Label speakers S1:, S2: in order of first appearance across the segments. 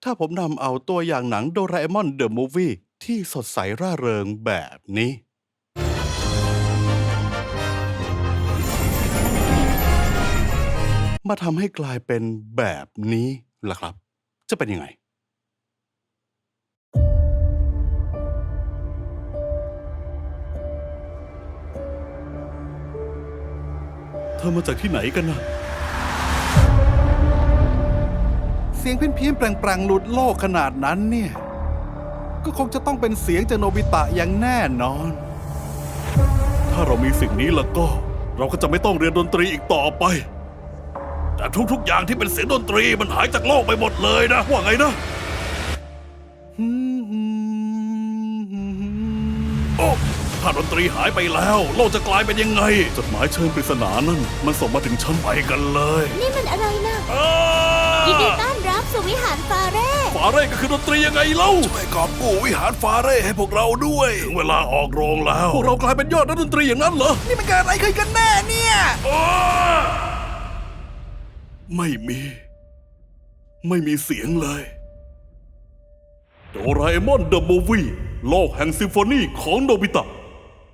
S1: ถ้าผมนำเอาตัวอย่างหนังโดราเอมอนเดอะมูฟวี่ที่สดใสร่าเริงแบบนี้มาทำให้กลายเป็นแบบนี้ล่ะครับจะเป็นยังไงเธอมาจากที่ไหนกันนะเสียงเพี้ยนๆแปลงๆหลุดโลกขนาดนั้นเนี่ยก็คงจะต้องเป็นเสียงจากโนบิตะอย่างแน่นอนถ้าเรามีสิ่งนี้แล้วก็เราก็จะไม่ต้องเรียนดนตรีอีกต่อไปแต่ทุกๆอย่างที่เป็นเสียงดนตรีมันหายจากโลกไปหมดเลยนะว่าไงนะโอ้ถ้าดนตรีหายไปแล้วโลกจะกลายเป็นยังไงจดหมายเชิญปริศนานั่นมันส่งมาถึงฉันไปกันเลย
S2: นี่มันอะไรนะยินดีต้อนรับสู่วิหารฟาเร่
S1: ก็คือดนตรียังไงเล่าช่วยกอบกู้วิหารฟาเร่ให้พวกเราด้วยถึงเวลาออกโรงแล้วพวกเรากลายเป็นยอดนักดนตรีอย่างนั้นเหรอนี่มันเกิดอะไรขึ้นกันแน่เนี่ยไม่มีเสียงเลยโดราเอมอนเดอะมูฟวี่โลกแห่งซิมโฟนีของโนบิตะ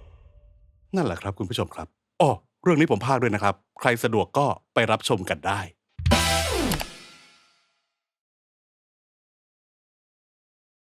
S1: นั่นแหละครับคุณผู้ชมครับเรื่องนี้ผมพากย์ด้วยนะครับใครสะดวกก็ไปรับชมกันได้